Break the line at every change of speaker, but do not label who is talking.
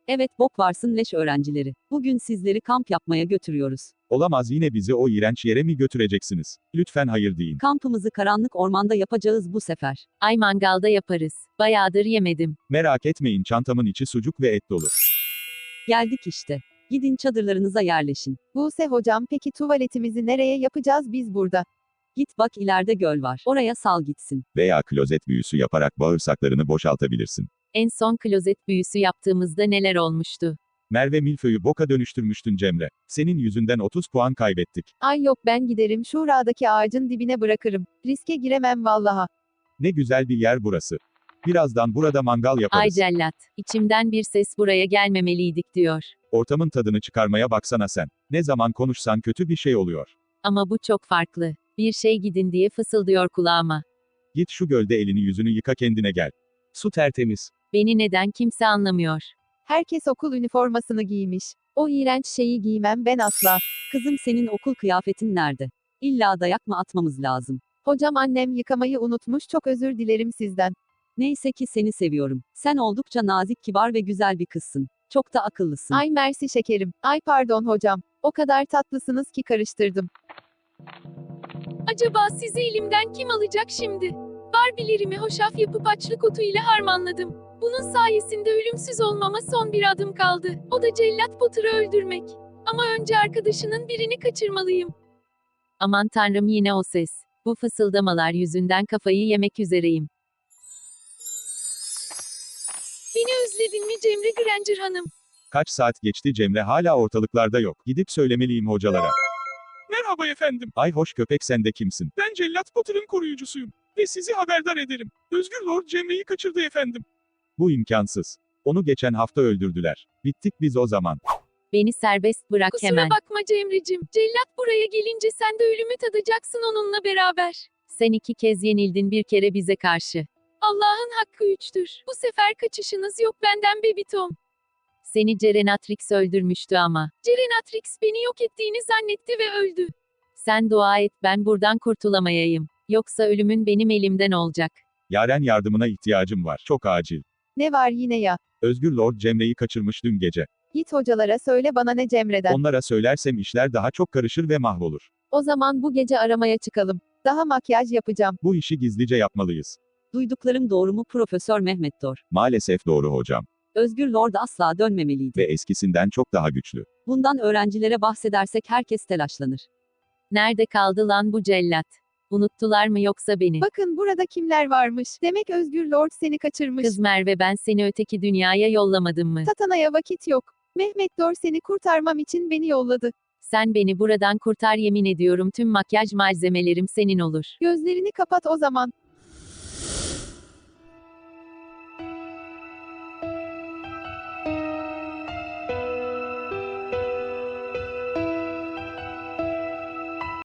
Evet, bok varsın leş öğrencileri. Bugün sizleri kamp yapmaya götürüyoruz.
Olamaz, yine bizi o iğrenç yere mi götüreceksiniz? Lütfen hayır deyin.
Kampımızı karanlık ormanda yapacağız bu sefer.
Ay mangalda yaparız. Bayağıdır yemedim.
Merak etmeyin, çantamın içi sucuk ve et dolu.
Geldik işte. Gidin çadırlarınıza yerleşin.
Buse hocam, peki tuvaletimizi nereye yapacağız biz burada?
Git bak, ileride göl var. Oraya sal gitsin.
Veya klozet büyüsü yaparak bağırsaklarını boşaltabilirsin.
En son klozet büyüsü yaptığımızda neler olmuştu?
Merve milföyü boka dönüştürmüştün Cemre. Senin yüzünden 30 puan kaybettik.
Ay yok, ben giderim şuradaki ağacın dibine bırakırım. Riske giremem vallaha.
Ne güzel bir yer burası. Birazdan burada mangal
Ay
yaparız.
cellat. İçimden bir ses buraya gelmemeliydik diyor.
Ortamın tadını çıkarmaya baksana sen. Ne zaman konuşsan kötü bir şey oluyor.
Ama bu çok farklı. Bir şey gidin diye fısıldıyor kulağıma.
Git şu gölde elini yüzünü yıka, kendine gel. Su tertemiz.
Beni neden kimse anlamıyor?
Herkes okul üniformasını giymiş. O iğrenç şeyi giymem ben asla.
Kızım, senin okul kıyafetin nerede? İlla dayak mı atmamız lazım?
Hocam, annem yıkamayı unutmuş, çok özür dilerim sizden.
Neyse ki seni seviyorum. Sen oldukça nazik, kibar ve güzel bir kızsın. Çok da akıllısın.
Ay mersi şekerim. Ay pardon hocam. O kadar tatlısınız ki karıştırdım.
Acaba sizi elimden kim alacak şimdi? Barbie'lerimi hoşaf yapıp açlık otu ile harmanladım. Bunun sayesinde ölümsüz olmama son bir adım kaldı. O da cellat Potter'ı öldürmek. Ama önce arkadaşının birini kaçırmalıyım.
Aman tanrım, yine o ses. Bu fısıldamalar yüzünden kafayı yemek üzereyim.
Beni özledin mi Cemre Granger Hanım?
Kaç saat geçti Cemre hala ortalıklarda yok. Gidip söylemeliyim hocalara.
Merhaba efendim.
Ay hoş köpek, sen de kimsin?
Ben Cellat Potter'ın koruyucusuyum. Ve sizi haberdar ederim. Özgür Lord Cemre'yi kaçırdı efendim.
Bu imkansız. Onu geçen hafta öldürdüler. Bittik biz o zaman.
Beni serbest bırak
Kusura
hemen.
bakma Cemre'cim. Cellat buraya gelince sen de ölümü tadacaksın onunla beraber.
Sen 2 kez yenildin, bir kere bize karşı.
Allah'ın hakkı üçtür. Bu sefer kaçışınız yok benden Bebitom.
Seni Cerenatrix öldürmüştü ama.
Cerenatrix beni yok ettiğini zannetti ve öldü.
Sen dua et ben buradan kurtulamayayım. Yoksa ölümün benim elimden olacak.
Yaren, yardımına ihtiyacım var. Çok acil.
Ne var yine ya?
Özgür Lord Cemre'yi kaçırmış dün gece.
Git hocalara söyle, bana ne Cemre'den.
Onlara söylersem işler daha çok karışır ve mahvolur.
O zaman bu gece aramaya çıkalım. Daha makyaj yapacağım.
Bu işi gizlice yapmalıyız.
Duyduklarım doğru mu Profesör Mehmet Dor?
Maalesef doğru hocam.
Özgür Lord asla dönmemeliydi.
Ve eskisinden çok daha güçlü.
Bundan öğrencilere bahsedersek herkes telaşlanır.
Nerede kaldı lan bu cellat? Unuttular mı yoksa beni?
Bakın burada kimler varmış. Demek Özgür Lord seni kaçırmış.
Kız Merve, ben seni öteki dünyaya yollamadım mı?
Tatana'ya vakit yok. Mehmet Dor seni kurtarmam için beni yolladı.
Sen beni buradan kurtar, yemin ediyorum tüm makyaj malzemelerim senin olur.
Gözlerini kapat o zaman.